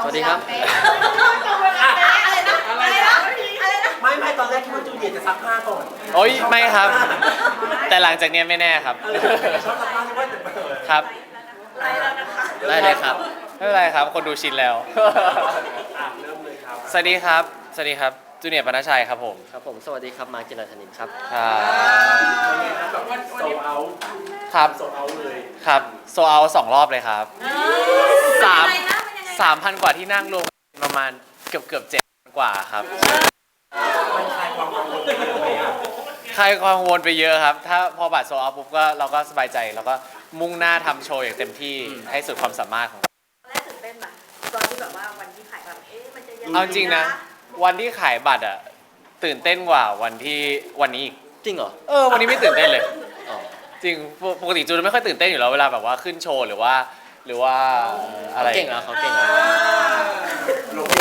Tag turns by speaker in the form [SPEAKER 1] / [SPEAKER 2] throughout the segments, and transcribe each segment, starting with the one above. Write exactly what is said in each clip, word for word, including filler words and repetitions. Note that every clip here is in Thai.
[SPEAKER 1] สวัสดีครับ
[SPEAKER 2] อะไรนะอะไรนะอะไรนะ
[SPEAKER 3] ไม่ไม่ตอนแรกคิดว่าจูเนียร์จะซักผ้าก่อน
[SPEAKER 1] โอ้ยไม่ครับ แต่หลังจากเนี้ยไม่แน่ครับ
[SPEAKER 3] เออชอบซักผ้าใช่ไหมแต่เออ
[SPEAKER 1] ครับ
[SPEAKER 2] อะไรแล้วนะคะ
[SPEAKER 1] ได้เลยครับไม่เป็นไรครับคนดูชินแล้ว
[SPEAKER 3] อ่ะเริ่มเลยครับ
[SPEAKER 1] สวัสดีครับสวัสดีครับจูเนียร์ปนชัยครับผม
[SPEAKER 4] ครับผมสวัสดีครับมาร์คจิรธนินครับ
[SPEAKER 1] ครับ
[SPEAKER 3] เป็นไงครับแบบโซเอา
[SPEAKER 1] ครับ
[SPEAKER 3] โซเอาเลย
[SPEAKER 1] ครับโซเอาสองรอบเลยครับ สาม
[SPEAKER 2] เป็นยังไงนะเป็นยังไง
[SPEAKER 1] สามพันกว่าที่นั่งรวมกันประมาณเกือบเกือบเจ็ดกว่าครับ
[SPEAKER 3] มันคลายความกังวลไปเยอะไหมอ่ะ
[SPEAKER 1] ใครความกังวลไปเยอะครับ ถ้าพอบัตรโซเอาปุ๊บก็เราก็สบายใจแล้วก็มุ่งหน้าทำโชว์อย่างเต็มที่ให้สุดความสามารถของเรา
[SPEAKER 2] ตอนแรกตื่นเต้นปะตอนที่แบบว่าวันที่ขายแบบเอ๊ะมันจะยังไง
[SPEAKER 1] เอาจริงนะ วันที่ขายบัตรอะตื่นเต้นกว่าวันที่วันนี้อีก
[SPEAKER 4] จริงเหรอ
[SPEAKER 1] เออวันนี้ไม่ตื่นเต้นเลย
[SPEAKER 4] อ๋อ
[SPEAKER 1] จริงปกปกติจูนไม่ค่อยตื่นเต้นอยู่แล้วเวลาแบบว่าขึ้นโชว์หรือว่า หรือว่าอะไร
[SPEAKER 4] เขาเก่งแล้วเขาเก่งแล้ว
[SPEAKER 3] ลง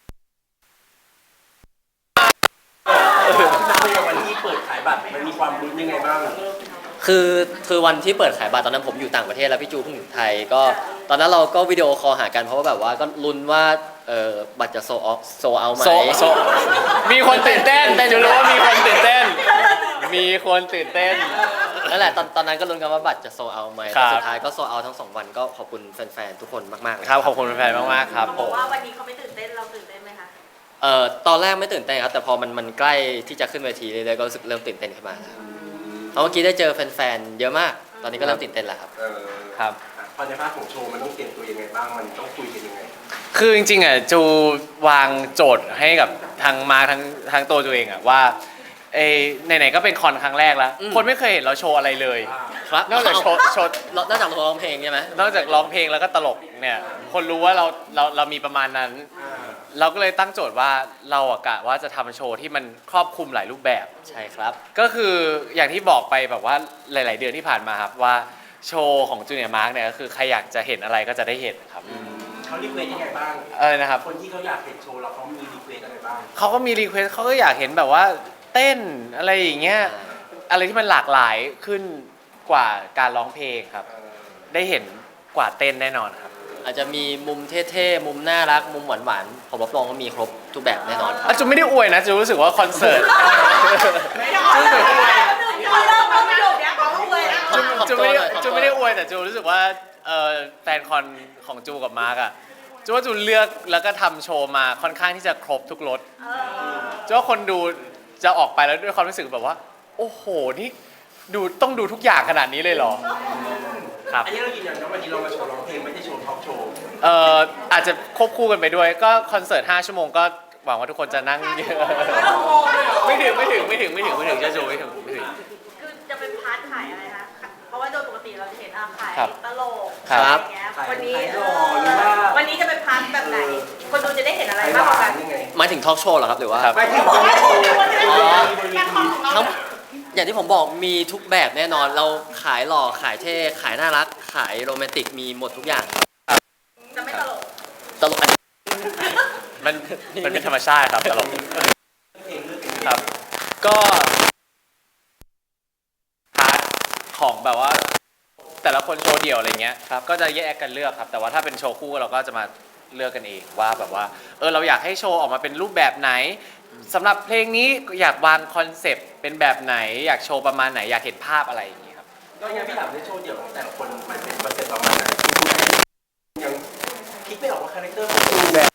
[SPEAKER 3] นับไปวันที่เปิดขายบัตรมันมีความลุ้นยังไงบ้าง
[SPEAKER 4] คือคือวันที่เปิดขายบัตรตอนนั้นผมอยู่ต่างประเทศแล้วพี่จูเพิ่งอยู่ไทยก็ตอนนั้นเราก็วิดีโอคอลหากันเพราะว่าแบบว่าก็ลุ้นว่าเออบัตรจะโซออโซเอาไหม
[SPEAKER 1] โซโซมีคนตื่นเต้นจูรู้ว่ามีคนตื่นเต้น มีคนตื่นเต้น
[SPEAKER 4] นั่นแหละตอนตอนนั้นก็ลุ้นกันว่าบัตรจะโซเอาไหม
[SPEAKER 1] ครั
[SPEAKER 4] แต่
[SPEAKER 1] บ
[SPEAKER 4] สุดท้ายก็โซเอาทั้งสองวันก็ขอบคุณแฟนๆทุกคนมากๆเลย
[SPEAKER 1] ครับขอบคุณแฟนๆมากๆครับ
[SPEAKER 2] เขาบอกว่าวันนี้เขาไม่ตื่นเต้นเราตื่นเต้นไหมคะ
[SPEAKER 4] เอ่อตอนแรกไม่ตื่นเต้นครับแต่พอมันมันใกล้ที่จะขึ้นเวทีเรื่อยๆก็รู้สึกเริ่มตื่นเต้นขึ้นมาแล้วเพราะเมื่อกี้ได้เจอแฟนๆเยอะมาก ตอนนี้ก็เริ่มตื่นเต้นแล้วครับ
[SPEAKER 3] เออ
[SPEAKER 1] ครับ
[SPEAKER 3] พอในภาคของโชว์มันต้องเตรียมตัวยังไงบ้างมันต้องคุยกันยังไง
[SPEAKER 1] คือจริงๆอ่ะจูวางโจทย์ให้กับทางมาทางทางตัวจูเองอ่ะว่าเอ้ไหนๆก็เป็นคอนครั้งแรกแล้ว
[SPEAKER 4] อืม
[SPEAKER 1] คนไม่เคยเห็นเราโชว์อะไรเลย
[SPEAKER 4] ครับ
[SPEAKER 1] นอกจากโชว์โชว์
[SPEAKER 4] นอกจากร้องเพลงใช่ไหม
[SPEAKER 1] นอกจากร้องเพลงแล้วก็ตลกเนี่ยคนรู้ว่าเราเราเรามีประมาณนั้น
[SPEAKER 3] อ่า
[SPEAKER 1] เราก็เลยตั้งโจทย์ว่าเราอะกะว่าจะทำโชว์ที่มันครอบคลุมหลายรูปแบบ
[SPEAKER 4] ใช่ครับ
[SPEAKER 1] ก็คืออย่างที่บอกไปแบบว่าหลาย ๆ เดือนที่ผ่านมาครับว่าโชว์ของจูเนียร์มาร์กเนี่ยก็คือใครอยากจะเห็นอะไรก็จะได้เห็นครับ
[SPEAKER 3] เขารีเควสยังไงบ้าง
[SPEAKER 1] อะไรนะครับ
[SPEAKER 3] คนที่เขาอยากเห็นโชว์เราเขามีรีเควสอะไรบ้าง
[SPEAKER 1] เขาก็มีรีเควสเขาก็อยากเห็นแบบว่าเต้นอะไรอย่างเงี้ยอะไรที่มันหลากหลายขึ้นกว่าการร้องเพลงครับ
[SPEAKER 3] เออ
[SPEAKER 1] ได้เห็นกว่าเต้นแน่นอนครับ
[SPEAKER 4] อาจจะมีมุมเท่ๆ มุมน่ารัก มุมหวานๆ ผมรับรองว่ามีครบทุกแบบแน่นอน
[SPEAKER 1] อ่ะจูไม่ได้อวยนะจูรู้สึกว่าคอนเสิร์ต
[SPEAKER 2] ไม่ได้เขาเริ่มเขาเริ่มประโยคเนี้ยเขาอวยแล้ว
[SPEAKER 1] จู
[SPEAKER 4] ขอบ
[SPEAKER 1] จู
[SPEAKER 4] ตัว
[SPEAKER 1] ไม่
[SPEAKER 4] หน่
[SPEAKER 1] ได้
[SPEAKER 4] อยขอบตัว
[SPEAKER 1] จูไม่ได้อวยแต่จูรู้สึกว่าเอ่อแฟนคอนของจูกับมาร์กอะจูว่าจูเลือกแล้วก็ทำโชว์มาค่อนข้างที่จะครบทุกรสจูว่าคนดูจะออกไปแล้วด้วยความรู้สึกแบบว่า โอ้โหนี่ดูต้องดูทุกอย่างขนาดนี้เลยเหรอครับ
[SPEAKER 3] อันนี้เรายืนยันว่าวันนี้เรามาโชว์ร้องเพลงไม่ได้โชว์ท็อปโชว์
[SPEAKER 1] เอ่ออาจจะควบคู่กันไปด้วยก็คอนเสิร์ตห้าชั่วโมงก็หวังว่าทุกคนจะนั่งเยอะไม่ถึงไม่ถึงไม่ถึงไม่ถึงไม่ถึงจะจูไม่ถึงไม่ถึง
[SPEAKER 2] คือจะเป็นพาร์ทขายอะไรคะเพราะว่าโดยปกติเราจะเห็นอาขาย
[SPEAKER 1] ครับ
[SPEAKER 2] ตลก
[SPEAKER 1] ครับ
[SPEAKER 2] อะไรอย่างเงี้ย
[SPEAKER 3] ขาย
[SPEAKER 2] วันนี้
[SPEAKER 3] ขายหล่อหรือว่า
[SPEAKER 2] วันนี้จะเป็นพาร์ทแบบไหน คนดูจะได้เห็นอะไร
[SPEAKER 3] ไอ้
[SPEAKER 2] มาก
[SPEAKER 3] ห
[SPEAKER 2] กว่ากั
[SPEAKER 3] วาน
[SPEAKER 2] น
[SPEAKER 3] ยังไง
[SPEAKER 4] หมายถึงทอล์กโชว์เหรอครับ หรือว่า
[SPEAKER 1] ครับ
[SPEAKER 3] ไม่ถึงบนเวทีบนเวที
[SPEAKER 4] ทั้งอย่างที่ผมบอกมีทุกแบบแน่นอน เราขายหล่อ ขายเท่ ขายน่ารัก ขายโรแมนติก มีหมดทุกอย่าง
[SPEAKER 2] จะไม่ตลก
[SPEAKER 4] ตลกอัน
[SPEAKER 1] มันมันเป็นธรรมชาติครับตลก
[SPEAKER 3] เพลงเลือกเพลง
[SPEAKER 1] ครับ ก็พาร์ทของแบบว่า แต่ละคนโชว์เดี่ยวอะไรเงี้ยครับก็จะแยกกันเลือกครับ แต่ว่าถ้าเป็นโชว์คู่เราก็จะมาเลือกกันเองว่าแบบว่าเออเราอยากให้โชว์ออกมาเป็นรูปแบบไหนสำหรับเพลงนี้อยากวางคอนเซปต์เป็นแบบไหน อยากโชว์ประมาณไหนอยากเห็นภาพอะไรอย่างเงี้ยครับ
[SPEAKER 3] ก็ยังพี่ถามในโชว์เดี่ยวของแต่ละคนมันเป็นคอนเซ็ปต์ประมาณไหนยังคิดไม่ออกว่าคาแรคเตอร์ของจูแบบ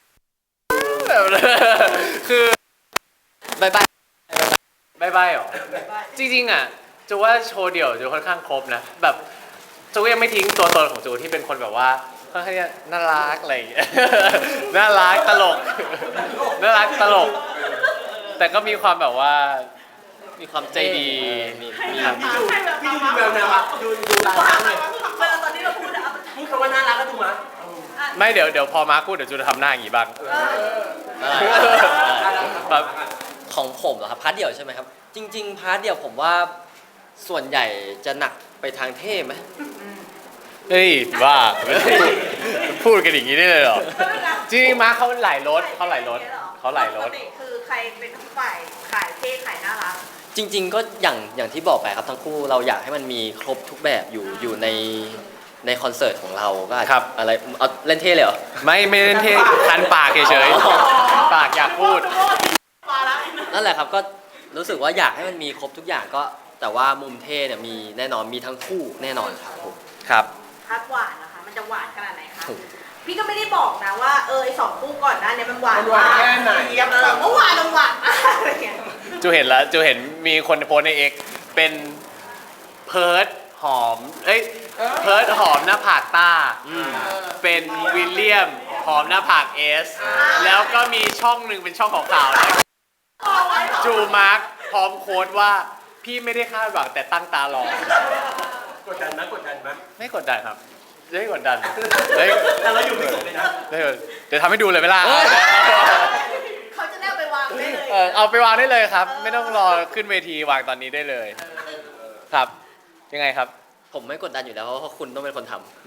[SPEAKER 1] คือ
[SPEAKER 4] บายบาย
[SPEAKER 1] บายบายหรอจริงๆอ่ะจูว่าโชว์เดี่ยวจูค่อนข้างครบนะแบบจูก็ยังไม่ทิ้งตัวตนของจูที่เป็นคนแบบว่าค่อนข้างจะน่ารักอะไรอย่างเงี้ย น่ารักตลก น่ารักตลก แต่ก็มีความแบบว่า
[SPEAKER 4] มีความ
[SPEAKER 1] ใจดี
[SPEAKER 4] มี
[SPEAKER 1] มี
[SPEAKER 4] มี
[SPEAKER 1] ครับ
[SPEAKER 3] พี่ดูพี่ดูดูแววนะว่าดูดูตา
[SPEAKER 2] ว่า
[SPEAKER 3] เลย
[SPEAKER 2] เวลาตอนที่เราพูดอะ
[SPEAKER 3] พูดคำว่าน่ารักก็ดูมั้ย
[SPEAKER 1] ไม่เดี๋ยวเดี๋ยวพอมาร์คพูดเดี๋ยวจูจะทำหน้าอย่างงี้บ้าง
[SPEAKER 4] อ่า
[SPEAKER 1] ครับ
[SPEAKER 4] ของผมเหรอครับ พาร์ทเดี่ยวใช่ไหมครับ จริง ๆ พาร์ทเดี่ยวผมว่าส่วนใหญ่จะหนักไปทางเท่ไหม
[SPEAKER 1] เฮ้ยบ้า พูดกันอย่างนี้ได้เลยเหรอ จริงๆมาร์คเขาหลายรถเขาหลายรถเขาหลายร
[SPEAKER 2] ป
[SPEAKER 1] ถ
[SPEAKER 2] กติคือใครเป็นฝ่ายขายเท่ขายน่ารัก
[SPEAKER 4] จริง ๆ ก็อย่างอย่างที่บอกไปครับทั้งคู่เราอยากให้มันมีครบทุกแบบอยู่อยู่ในในคอนเสิร์ตของเราก็อาจ
[SPEAKER 1] ครั
[SPEAKER 4] จะ
[SPEAKER 1] บ
[SPEAKER 4] อะไรเอาเล่นเท่เลยเหรอ
[SPEAKER 1] ไม่ไม่เล่นเท่คันปากเฉยๆคันปากอยากพูด
[SPEAKER 2] มาแล้ว
[SPEAKER 4] นั่นแหละครับก็รู้สึกว่าอยากให้มันมีครบทุกอย่างก็แต่ว่ามุมเท่เนี่ยมีแน่นอนมีทั้งคู่แน่นอนครับผม
[SPEAKER 1] ครับ
[SPEAKER 2] พาร์ทหวานนะคะ มันจะหวานขนาดไหนคะ พี่ก็ไม่ได้บอกนะว่าเออไอสองคู่ก่อนหน้านี้มันหวาน
[SPEAKER 3] มันหวานแค่ไหน
[SPEAKER 2] เออเมื่อวานมันหวานมากอะไรเงี้ย
[SPEAKER 1] จูเห็นแล้วจูเห็นมีคนโพสต์ในเอกเป็นเพิร์ดหอม เอ้ย เพิร์ดหอมหน้าผากต้า เป็นวิลเลียมหอมหน้าผากเอส แล้วก็มีช่องหนึ่งเป็นช่องของข่าวนะจูมาร์คพร้อมโค้ดว่าพี่ไม่ได้คาดหวังแต่ตั้งตารอ
[SPEAKER 3] กดดันไหมกดดันไหม
[SPEAKER 1] ไม่กดดันครับไม่กดดันเฮ้ย
[SPEAKER 3] แต่เราอยู่ไม่สุดเลยนะ
[SPEAKER 1] เดี๋ยวเดี๋ยวทำให้ดูเลยไหมล่ะ
[SPEAKER 2] เขาจะได้เอาไปวางได้เลย
[SPEAKER 1] เออเอาไปวางได้เลยครับ ไม่ต้องรอขึ้นเวทีวางตอนนี้ได้เลย ครับ ยังไงครับ
[SPEAKER 4] ผมไม่กดดันอยู่แล้วเพราะว่าคุณต้องเป็นคนทำ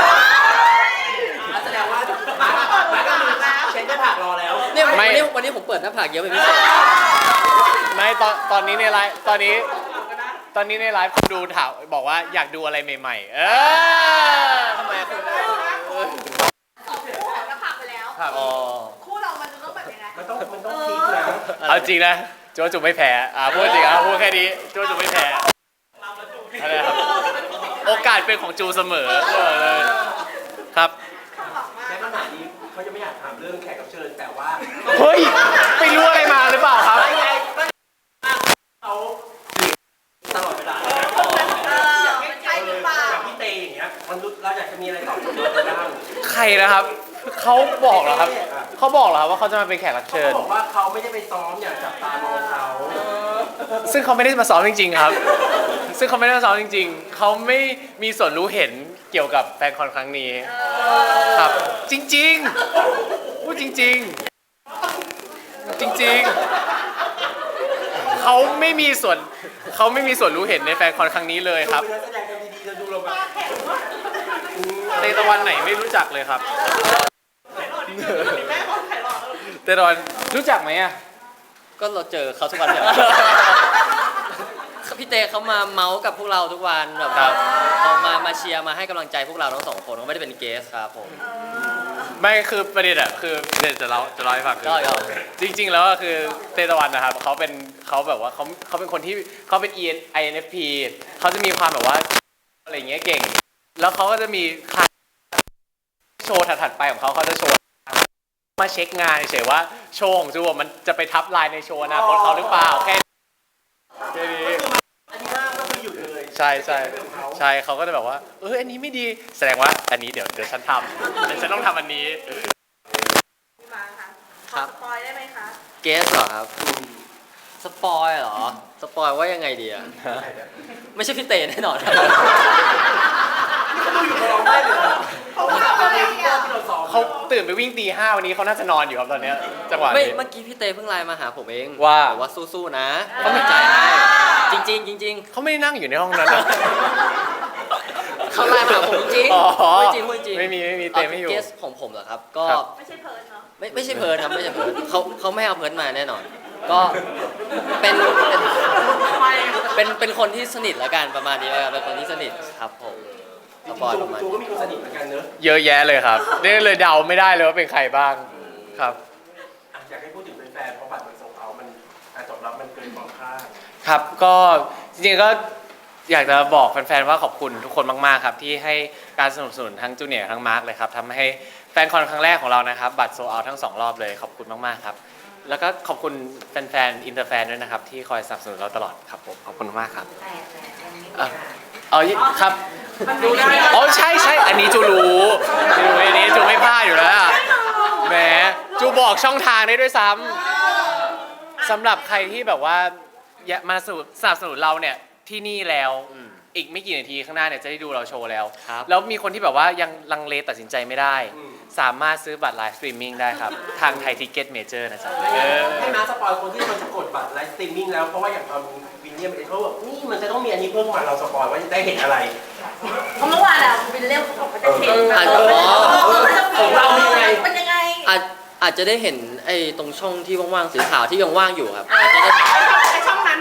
[SPEAKER 3] แสดงว่ามามาก็คือเช็ดหน้าผากรอแล้ว
[SPEAKER 4] เนี่ยวัน
[SPEAKER 1] ไม่
[SPEAKER 4] นี้วันนี้ผมเปิดหน้าผากเยอะเป็นพิเศษ
[SPEAKER 1] ไม่ตอนตอนนี้ในไลฟ์ตอนนี้ ตอนนี้ในไลฟ์คนดูถามบอกว่าอยากดูอะไรใหม่ๆ เออ
[SPEAKER 4] ทำไมคุณ
[SPEAKER 2] สองคู่ของน้ำผักไปแล้ว
[SPEAKER 1] ครับ
[SPEAKER 4] อ๋อ
[SPEAKER 2] คู่เรามันจะต้องแบบยังไง
[SPEAKER 3] มันต้องมันต้องพีคนะ
[SPEAKER 1] เอาจริงนะโจจูไม่แพ้อ่าพูดจริงอ่ะพูดแค่นี้โจจูไม่แพ้อะไรครับโอกาสเป็นของจูเสมอเออเลยครับ
[SPEAKER 2] ข้างหลังมาก
[SPEAKER 3] แค่คำถามนี้เขาจะไม่อยากถามเรื่องแขกรับเชิญแต่ว่า
[SPEAKER 1] เฮ้ยไปรู้อะไรมาหรือเปล่าครับ
[SPEAKER 3] ไม่ไงเขาตลอดเวลา
[SPEAKER 2] เออมันใช่หรือเปล่า
[SPEAKER 3] อย่างพี่เตอย่างเงี้ยมันรู้เราอยากจะมีอะไรตอบโจทย์บ้าง
[SPEAKER 1] ใครนะครับเขาบอกเหรอครับเขาบอกเหรอครับว่าเขาจะมาเป็นแขกรับ
[SPEAKER 3] เขา
[SPEAKER 1] เชิญ
[SPEAKER 3] บอกว่าเขาไม่ได้ไปซ้อมอย่างจับตามองเขา
[SPEAKER 1] ซึ่งเขาไม่ได้มาซ้อมจริง ๆ ครับ ซึ่งเขาไม่ได้มาซ้อมจริง ๆ เขาไม่มีส่วนรู้เห็นเกี่ยวกับแฟนคอนครั้งนี้ครับ จริงๆพูดจริง ๆ จริง ๆ เขาไม่มีส่วนเขาไม่มีส่วนรู้เห็นในแฟนคอนครั้งนี้เลยครับ
[SPEAKER 3] ดูเป็นนักแสดงกันดีๆจะดูเราแบบ
[SPEAKER 1] เตตะวันไหนไม่รู้จักเลยครับ
[SPEAKER 2] แม่คนไข่หลอด
[SPEAKER 1] เตตะวันรู้จักไหมอ่ะ
[SPEAKER 4] ก็เราเจอเขาทุกวันเนี่ย พี่เตเขามาเมาส์กับพวกเราทุกวันแบบ
[SPEAKER 1] ครับ
[SPEAKER 4] เขามามาเชียร์มาให้กำลังใจพวกเราทั้งสองคนเขาไม่ได้เป็นเกสครับผม
[SPEAKER 1] ไม่คือประเด็นอะคือเดี๋ยวจะเล่าจะเล่าให้ฟังคือ
[SPEAKER 4] ก็ยอม
[SPEAKER 1] จริง ๆ แล้วก็คือเตตะวันนะครับเขาเป็นเขาแบบว่าเขาเขาเป็นคนที่เขาเป็น ไอ เอ็น เอฟ พี เขาจะมีความแบบว่าอะไรอย่างเงี้ยเก่ง แล้วเขาก็จะมีโชว์ถัดๆไปของเขาเขาจะโชว์มาเช็คงานเฉยๆว่าโชว์ของจูอะมันจะไปทับลายในโชว์อนาคตเขาหรือเปล่าแค่แค่นี้
[SPEAKER 3] อันนี้ห้ามก็คือหยุดเลย
[SPEAKER 1] ใช่ใช่ใช่เขาก็จะแบบว่าเอออันนี้ไม่ดีแสดงว่าอันนี้เดี๋ยวเดี๋ยวฉันทำเดี๋ยวฉันต้องทำอันนี้
[SPEAKER 2] มาค่ะ
[SPEAKER 4] ครับ
[SPEAKER 2] สปอยได้ไหมคะ
[SPEAKER 4] เกสเหรอครับ สปอยเหรอ สปอยว่ายังไงดีอะไม่ใช่พี่เตแน่นอนครับ
[SPEAKER 3] เขาดูอยู่กับเราได้เลยนะ
[SPEAKER 2] เขาว่าเขาเรียก
[SPEAKER 3] ที่เราซ้อม
[SPEAKER 1] เขาตื่นไปวิ่งตีห้าวันนี้เขาน่าจะนอนอยู่ครับตอนเนี้ยจังหวะ
[SPEAKER 4] ไม่
[SPEAKER 1] นี้
[SPEAKER 4] เมื่อกี้พี่เตเพิ่งไลน์มาหาผมเอง
[SPEAKER 1] ว่า
[SPEAKER 4] บอกว่าสู้ๆนะเขาเป็นใจให้จริงๆจริง
[SPEAKER 1] เขาไม่ได้นั่งอยู่ในห้องนั้นนะ
[SPEAKER 4] ๆเขาไลน์มาหาผมจริง
[SPEAKER 1] อ๋อ
[SPEAKER 4] ๆพูดจริงพูดจริง
[SPEAKER 1] ไม่มีไม่มีเตไม่อยู่
[SPEAKER 4] เกสของผมเหรอครับ ก็
[SPEAKER 1] ครับ
[SPEAKER 2] ไม่ใช่เพิร์นเนาะ
[SPEAKER 4] ไม่ไม่ใช่เพิร์นครับไม่ใช่เพิร์นเขาเขาไม่เอาเพิร์นมาแน่นอน ก็เป็นเป็นเป็นเป็นคนที่สนิทละกันประมาณนี้แล้วกันเป็นคนที่สนิทครับผมสปอยประมาณ
[SPEAKER 3] จู
[SPEAKER 4] นี้
[SPEAKER 3] ก็มีคนสนิทเหมือนกันเนอะ
[SPEAKER 1] เยอะแยะเลยครับนี่เลยเดาไม่ได้เลยว่าเป็นใครบ้างครับ
[SPEAKER 3] อ่ะอยากให้พูดถึงแฟนๆเพราะบัตรมันส่งเอามันการตอบรับมันเกินความคาด
[SPEAKER 1] ครับก็จริงๆก็อยากจะบอกแฟนๆว่าขอบคุณทุกคนมากๆครับที่ให้การสนับสนุนทั้งจูเนียร์ทั้งมาร์คเลยครับทำให้แฟนคอนครั้งแรกของเรานะครับบัตรโซเอาทั้งสองรอบเลยขอบคุณมากๆครับแล้วก็ขอบคุณแฟนๆอินเตอร์แฟนด้วยนะครับที่คอยสนับสนุนเราตลอดครับผมขอบคุณมากครับ
[SPEAKER 2] แต่แต่อันนี้
[SPEAKER 1] อ่ะเอาครับ
[SPEAKER 2] มันดูได้
[SPEAKER 1] อ๋อใช่ใช่อันนี้จูรู้จูรู้อันนี้จูไม่พลาดอยู่แล้วอะแหมจูบอกช่องทางได้ด้วยซ้ำสำหรับใครที่แบบว่าอยากมาสนับสนับสนุนเราเนี่ยที่นี่แล้ว
[SPEAKER 4] อืม
[SPEAKER 1] อีกไม่กี่นาทีข้างหน้าเนี่ยจะได้ดูเราโชว์แล้ว
[SPEAKER 4] ครับ
[SPEAKER 1] แล้วมีคนที่แบบว่ายังลังเลตัดสินใจไม่ได้
[SPEAKER 3] อืม
[SPEAKER 1] สามารถซื้อบัตรไลฟ์สตรีมมิ่งได้ครับ ทางไทยทิกเก็ตเมเจอร์นะจ๊ะเออ
[SPEAKER 3] ให้มาสปอยคนที่มันจะกดบัตรไลฟ์สตรีมมิ่งแล้วเพราะว่าอย่างตอนวินเลียมเองเขาบอกนี่มันจะต้องมีอันนี้เพิ่มมาเราสปอยว่าจะได้เห็นอะไร
[SPEAKER 2] เพราะเมื่อวานอะวินเล่มเขาบอกว่าจะเทรนแบบ
[SPEAKER 4] อ่ะ
[SPEAKER 2] เออ
[SPEAKER 4] อ๋อ
[SPEAKER 3] ของเราเป็นยังไง
[SPEAKER 2] เป็นยังไง
[SPEAKER 4] อาจอาจจะได้เห็นไอ้ตรงช่องที่ว่างๆสีขาวที่ยังว่างอยู่ครับอาจจะได้เห็น
[SPEAKER 2] ไอช่องนั้นนะเนาะ
[SPEAKER 4] ใ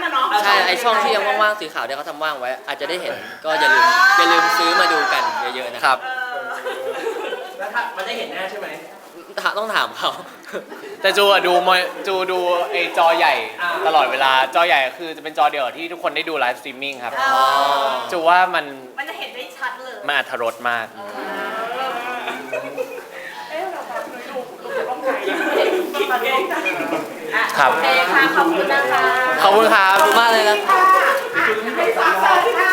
[SPEAKER 4] ใช่ไอช่องที่ยังว่างๆสีขาวที่เขาทำว่างไว้ อาจจะได้เห็นก็อย่าลืมอย่าลืมซื้อมาดูกันเยอะๆนะ
[SPEAKER 1] ครับ
[SPEAKER 2] เออ
[SPEAKER 3] แล้วถ้ามันได้เห็นหน้าใช่ไหม
[SPEAKER 4] ต้องถามเขา
[SPEAKER 1] แต่จูอะดูมอยจูดูไอจอใหญ่
[SPEAKER 3] อ่า
[SPEAKER 1] ตลอดเวลาจอใหญ่คือจะเป็นจอเดียวที่ทุกคนได้ดูไลฟ์สตรีมมิ่งครับ
[SPEAKER 2] เออ
[SPEAKER 1] จูว่ามัน
[SPEAKER 2] มันจะเห็นได้ชัดเลย
[SPEAKER 1] มันอรรถรสมาก
[SPEAKER 2] เอ๊ะเราแบบดูดูจากต้องไหนมาดูอ่ะ
[SPEAKER 1] ครับ
[SPEAKER 2] โอเคค่ะ ขอบคุณนะคะ
[SPEAKER 1] ขอบคุณครับ
[SPEAKER 4] ขอบคุณมากเลยนะ
[SPEAKER 2] ค่ะอ่ะให้ฝากเชิญค่ะ